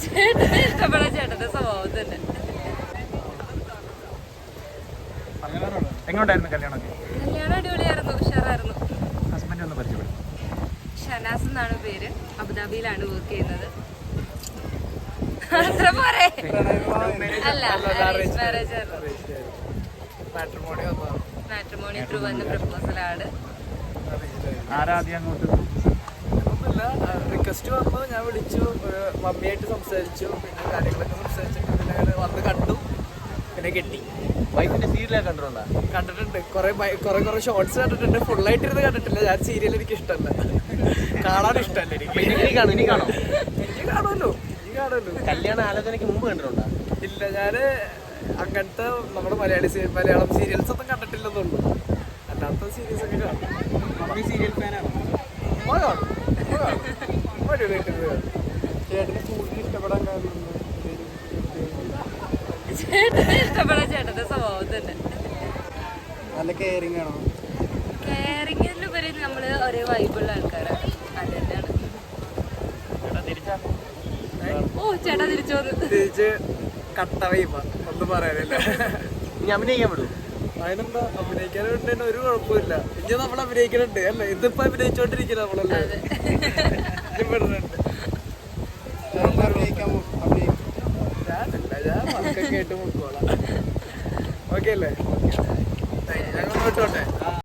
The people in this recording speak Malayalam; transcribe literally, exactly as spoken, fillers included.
ചേട്ടനെ ഇഷ്ടപ്പെടാൻ ചേട്ടന്റെ സ്വഭാവം തന്നെ. എങ്ങോട്ടായിരുന്നു കല്യാണമൊക്കെ? കല്യാണം അടിപൊളിയായിരുന്നു, ഉഷാറായിരുന്നു. ഹസ്ബൻഡ് ഒന്ന് പരിചയപ്പെടും. ഷനാസ് എന്നാണ് പേര്, അബുദാബിയിലാണ് വർക്ക് ചെയ്യുന്നത്. അത്ര പോരെ? അല്ല, അറേഞ്ച് മാരേജ് ആയിരുന്നു. മാട്രിമോണി ത്രൂ വന്ന പ്രപ്പോസലാണ്. ആരാദ്യം അങ്ങോട്ട് റിക്വസ്റ്റ് വന്നു, ഞാൻ വിളിച്ചു, മമ്മിയായിട്ട് സംസാരിച്ചു, പിന്നെ കാര്യങ്ങളൊക്കെ സംസാരിച്ചിട്ട് പിന്നെ അങ്ങനെ വന്ന് കണ്ടു, പിന്നെ കെട്ടി. വൈഫിന്റെ സീരിയലൊക്കെ കണ്ടിട്ടുണ്ടോ? കണ്ടിട്ടുണ്ട്, കുറെ കുറെ കുറെ ഷോർട്സ് കണ്ടിട്ടുണ്ട്. ഫുള്ളായിട്ടിരുന്ന് കണ്ടിട്ടില്ല. ഞാൻ സീരിയൽ എനിക്ക് ഇഷ്ടമല്ല, കാണാൻ ഇഷ്ടമല്ല എനിക്ക്. ഇനി കാണും ഇനി കാണോ? എനിക്ക് കാണുമല്ലോ, എനിക്ക് കാണുമല്ലോ. കല്യാണ ആലോചനയ്ക്ക് മുമ്പ് കണ്ടിട്ടുണ്ടോ? ഇല്ല, ഞാൻ അങ്ങനത്തെ നമ്മുടെ മലയാളി മലയാളം സീരിയൽസ് ഒന്നും കണ്ടിട്ടില്ലെന്നുള്ളൂ. അല്ലാത്ത സീരീസ് ഒക്കെ കാണും. മമ്മി സീരിയൽ ഫാനാണോ? ഉമ്മ കാണും, ഉമ്മ കാണും, ഉമ്മ അടിപൊളിയായിട്ടുണ്ട്. ചേട്ടന് കൂടുതൽ ഇഷ്ടപ്പെടാൻ കാരണം ചേട്ടനെ ഇഷ്ടപ്പെടാൻ ചേട്ടന്റെ സ്വഭാവം തന്നെ. നല്ല കെയറിങ് ആണോ? കെയറിങ്ങിലുപരി നമ്മള് ഒരേ വൈബുള്ള ആൾക്കാരാണ്. അത് തന്നെയാണ്. ഓ ചേട്ടാ തിരിച്ചു വന്നു. തിരിച്ച് കട്ട വൈബ, ഒന്നും പറയാനില്ല. ഇനി അഭിനയിക്കാൻ വിടും. അതിനെന്താ, അഭിനയിക്കാനുണ്ട്, ഒരു കുഴപ്പമില്ല. ഇനി നമ്മൾ അഭിനയിക്കുന്നുണ്ട് അല്ലേ? ഇതിപ്പോ അഭിനയിച്ചോണ്ടിരിക്കുന്നത് നമ്മളല്ലേ. ഞാനില്ല, ഞാൻ വർക്കൊക്കെ ആയിട്ട് മുക്കോളാം. ഓക്കെ അല്ലേ?